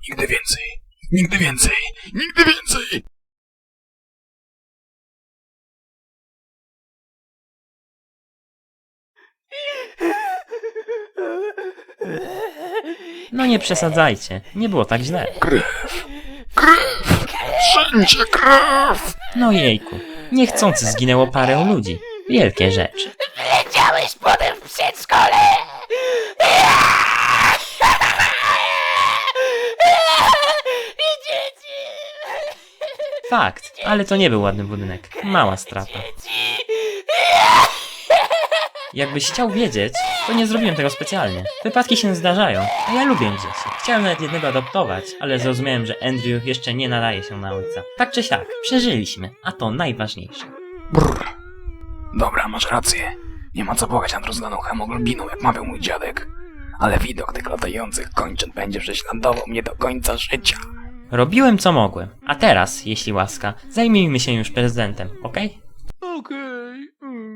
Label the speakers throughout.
Speaker 1: Nigdy więcej. Nigdy więcej. Nigdy więcej.
Speaker 2: No nie przesadzajcie, nie było tak źle.
Speaker 1: Krew. Krew. Wszędzie krew.
Speaker 2: No jejku, niechcący zginęło parę ludzi. Wielkie rzeczy.
Speaker 3: Leciałeś potem w przedszkole! I dzieci!
Speaker 2: Fakt, ale to nie był ładny budynek. Mała strata. Jakbyś chciał wiedzieć, to nie zrobiłem tego specjalnie. Wypadki się zdarzają, a ja lubię dzieci. Chciałem nawet jednego adoptować, ale zrozumiałem, że Andrew jeszcze nie nadaje się na ojca. Tak czy siak, przeżyliśmy, a to najważniejsze.
Speaker 1: Brr. Dobra, masz rację. Nie ma co płakać nad rozlaną hemoglobiną, jak mawiał mój dziadek. Ale widok tych latających kończyn będzie prześladował mnie do końca życia.
Speaker 2: Robiłem co mogłem, a teraz, jeśli łaska, zajmijmy się już prezydentem, okej?
Speaker 1: Okej.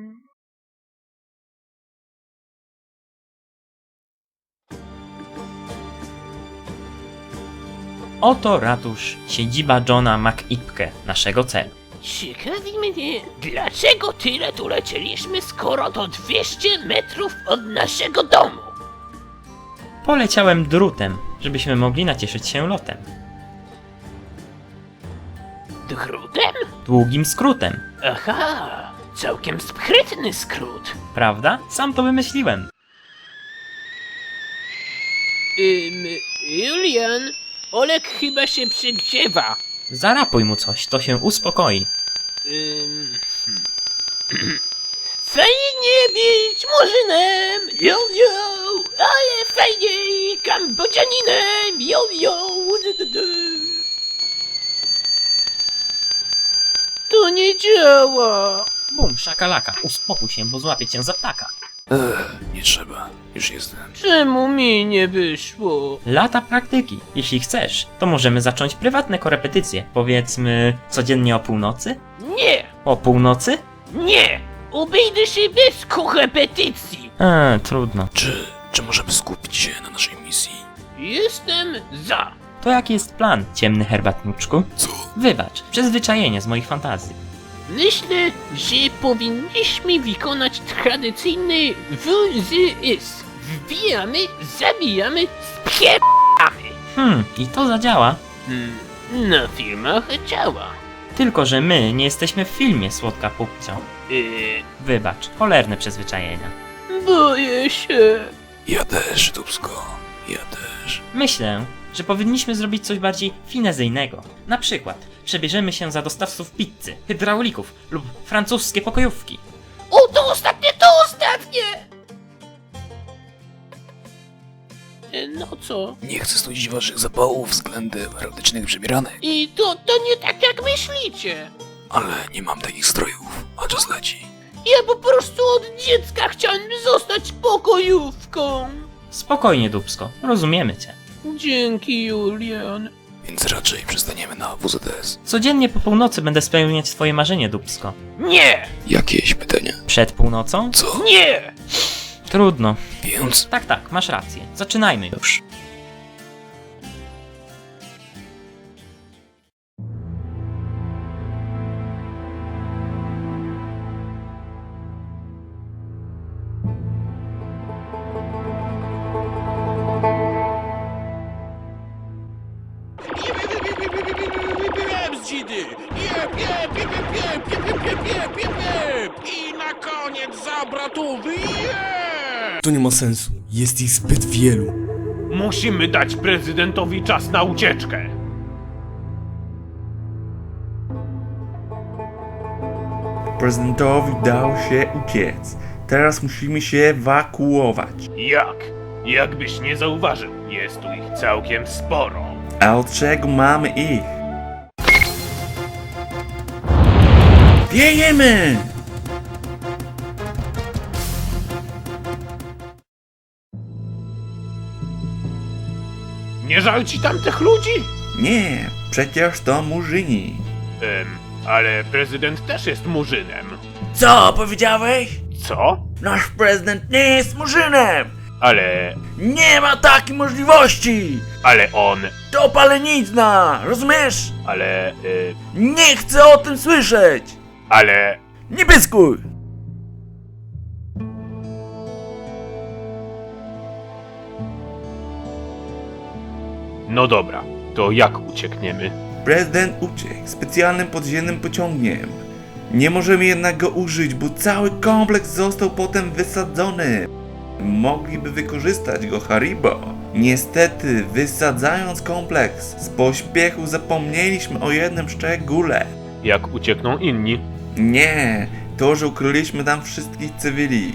Speaker 2: Oto ratusz, siedziba Johna McIpke, naszego celu.
Speaker 3: Ciekawi mnie, dlaczego tyle tu lecieliśmy, skoro to 200 metrów od naszego domu?
Speaker 2: Poleciałem drutem, żebyśmy mogli nacieszyć się lotem.
Speaker 3: Drutem?
Speaker 2: Długim skrótem,
Speaker 3: Aha, całkiem sprytny skrót.
Speaker 2: prawda? Sam to wymyśliłem.
Speaker 3: Julian, Olek chyba się przegrzewa.
Speaker 2: Zarapuj mu coś, to się uspokoi.
Speaker 3: Fajnie być murzynem, yo yo, ale fajniej Kambodżaninem, yo yo. To nie działa.
Speaker 2: Bum, szakalaka, uspokój się, bo złapię cię za ptaka.
Speaker 1: Nie trzeba. Już jestem.
Speaker 3: Czemu mi nie wyszło?
Speaker 2: Lata praktyki. Jeśli chcesz, to możemy zacząć prywatne korepetycje. Powiedzmy, codziennie o północy?
Speaker 3: Nie,
Speaker 2: O północy?
Speaker 3: nie, obejdę się bez korepetycji.
Speaker 2: Trudno.
Speaker 1: Czy możemy skupić się na naszej misji?
Speaker 3: Jestem za.
Speaker 2: To jaki jest plan, ciemny herbatniczku?
Speaker 1: Co?
Speaker 2: Wybacz, przyzwyczajenie z moich fantazji.
Speaker 3: Myślę, że powinniśmy wykonać tradycyjny WZS. Wbijamy, zabijamy, spierdamy.
Speaker 2: I to zadziała.
Speaker 3: Na filmach działa.
Speaker 2: Tylko, że my nie jesteśmy w filmie, słodka pupcio. Wybacz, cholerne przyzwyczajenia.
Speaker 3: Boję się.
Speaker 1: Ja też, Dubsko. Ja też.
Speaker 2: Myślę, że powinniśmy zrobić coś bardziej finezyjnego. Na przykład, przebierzemy się za dostawców pizzy, hydraulików lub francuskie pokojówki.
Speaker 3: O, to ostatnie, to ostatnie! No co?
Speaker 1: Nie chcę studzić waszych zapałów względem erotycznych przebieranek,
Speaker 3: I to nie tak jak myślicie.
Speaker 1: ale nie mam takich strojów, a czas leci.
Speaker 3: Ja po prostu od dziecka chciałem zostać pokojówką.
Speaker 2: Spokojnie, Dubsko, rozumiemy cię.
Speaker 3: Dzięki, Julian.
Speaker 1: Więc raczej przestaniemy na WZS.
Speaker 2: Codziennie po północy będę spełniać twoje marzenie, Dubsko.
Speaker 3: Nie!
Speaker 1: Jakieś pytania?
Speaker 2: Przed północą?
Speaker 1: Co?
Speaker 3: Nie!
Speaker 2: Trudno.
Speaker 1: Więc
Speaker 2: Tak, masz rację. Zaczynajmy już.
Speaker 4: I na koniec za obrotówy.
Speaker 5: To nie ma sensu. Jest ich zbyt wielu.
Speaker 4: Musimy dać prezydentowi czas na ucieczkę.
Speaker 6: Prezydentowi dało się uciec. Teraz musimy się ewakuować.
Speaker 4: Jak? Jakbyś nie zauważył, jest tu ich całkiem sporo.
Speaker 6: A od czego mamy ich? Wiejemy!
Speaker 4: Nie żal ci tamtych ludzi?
Speaker 6: Nie, przecież to murzyni.
Speaker 4: Ale prezydent też jest murzynem.
Speaker 6: Co powiedziałeś?
Speaker 4: Co?
Speaker 6: Nasz prezydent nie jest murzynem!
Speaker 4: Ale...
Speaker 6: Nie ma takiej możliwości!
Speaker 4: Ale on...
Speaker 6: To palenizna, rozumiesz?
Speaker 4: Ale...
Speaker 6: Nie chcę o tym słyszeć!
Speaker 4: ale...
Speaker 6: Nie pyskuj!
Speaker 4: No dobra, to jak uciekniemy?
Speaker 6: Prezydent uciekł specjalnym podziemnym pociągiem. Nie możemy jednak go użyć, bo cały kompleks został potem wysadzony. Mogliby wykorzystać go Haribo. Niestety, wysadzając kompleks, z pośpiechu zapomnieliśmy o jednym szczególe.
Speaker 4: Jak uciekną inni?
Speaker 6: Nie, to, że ukryliśmy tam wszystkich cywili.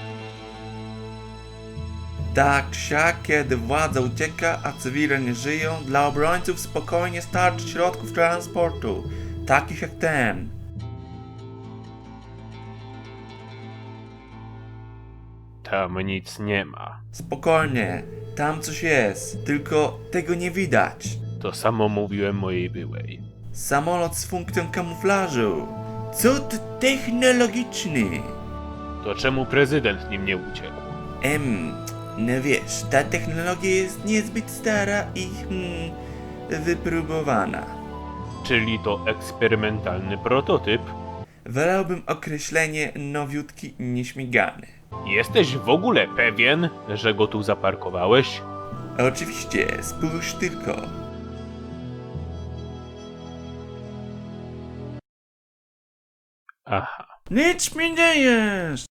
Speaker 6: Tak siak, kiedy władza ucieka, a cywile nie żyją, dla obrońców spokojnie starczy środków transportu, takich jak ten.
Speaker 4: Tam nic nie ma.
Speaker 6: Spokojnie, tam coś jest, tylko tego nie widać.
Speaker 4: To samo mówiłem mojej byłej.
Speaker 6: Samolot z funkcją kamuflażu. Cud technologiczny.
Speaker 4: To czemu prezydent nim nie uciekł?
Speaker 6: No wiesz, ta technologia jest niezbyt stara i wypróbowana.
Speaker 4: Czyli to eksperymentalny prototyp?
Speaker 6: Wolałbym określenie nowiutki nieśmigany.
Speaker 4: Jesteś w ogóle pewien, że go tu zaparkowałeś?
Speaker 6: Oczywiście, spójrz tylko.
Speaker 4: Aha.
Speaker 6: Nic mi nie jest!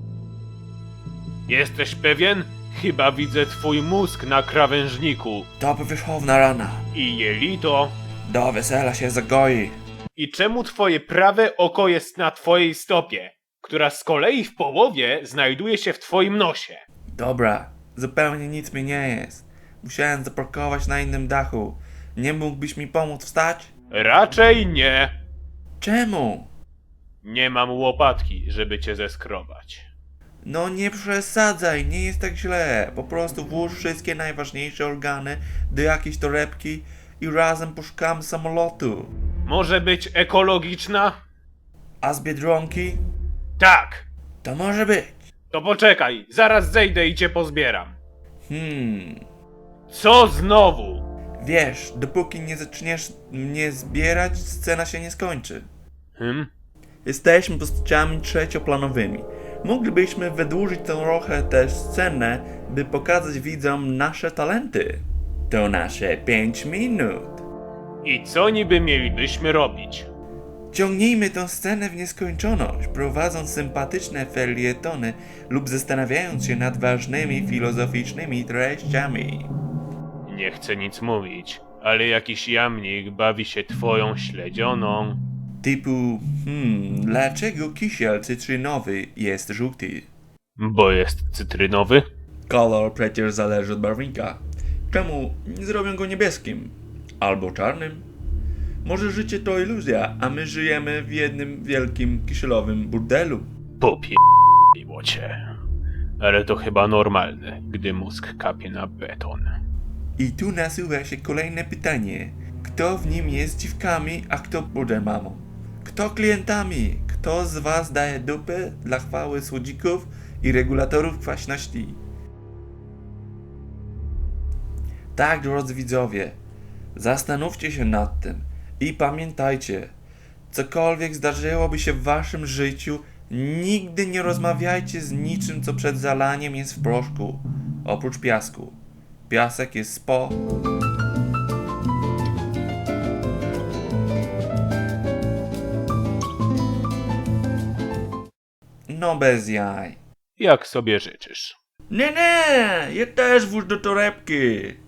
Speaker 4: Jesteś pewien? Chyba widzę twój mózg na krawężniku.
Speaker 6: To powierzchowna rana.
Speaker 4: I jelito.
Speaker 6: Do wesela się zagoi.
Speaker 4: I czemu twoje prawe oko jest na twojej stopie, która z kolei w połowie znajduje się w twoim nosie?
Speaker 6: Dobra, zupełnie nic mi nie jest. Musiałem zaparkować na innym dachu. Nie mógłbyś mi pomóc wstać?
Speaker 4: Raczej nie.
Speaker 6: Czemu?
Speaker 4: Nie mam łopatki, żeby cię zeskrobać.
Speaker 6: No nie przesadzaj, nie jest tak źle. Po prostu włóż wszystkie najważniejsze organy do jakiejś torebki i razem poszukamy samolotu.
Speaker 4: Może być ekologiczna?
Speaker 6: A z Biedronki?
Speaker 4: Tak.
Speaker 6: To może być.
Speaker 4: To poczekaj, zaraz zejdę i cię pozbieram.
Speaker 6: Hmm.
Speaker 4: Co znowu?
Speaker 6: Wiesz, dopóki nie zaczniesz mnie zbierać, scena się nie skończy. Jesteśmy postaciami trzecioplanowymi. Moglibyśmy wydłużyć trochę tę scenę, by pokazać widzom nasze talenty. To nasze 5 minut.
Speaker 4: I co niby mielibyśmy robić?
Speaker 6: Ciągnijmy tę scenę w nieskończoność, prowadząc sympatyczne felietony lub zastanawiając się nad ważnymi filozoficznymi treściami.
Speaker 4: Nie chcę nic mówić, ale jakiś jamnik bawi się twoją śledzioną.
Speaker 6: Typu, dlaczego kisiel cytrynowy jest żółty?
Speaker 4: Bo jest cytrynowy?
Speaker 6: Kolor przecież zależy od barwnika. Czemu nie zrobią go niebieskim? Albo czarnym? Może życie to iluzja, a my żyjemy w jednym wielkim kisielowym burdelu.
Speaker 4: Popierdoliło cię. Ale to chyba normalne, gdy mózg kapie na beton.
Speaker 6: I tu nasuwa się kolejne pytanie. Kto w nim jest dziwkami, a kto bude mamą? Kto klientami? Kto z was daje dupę dla chwały słodzików i regulatorów kwaśności? Tak, drodzy widzowie, zastanówcie się nad tym i pamiętajcie, cokolwiek zdarzyłoby się w waszym życiu, nigdy nie rozmawiajcie z niczym, co przed zalaniem jest w proszku, oprócz piasku. Piasek jest spo... No bez jaj.
Speaker 4: Jak sobie życzysz.
Speaker 6: Nie, ja też włóż do torebki.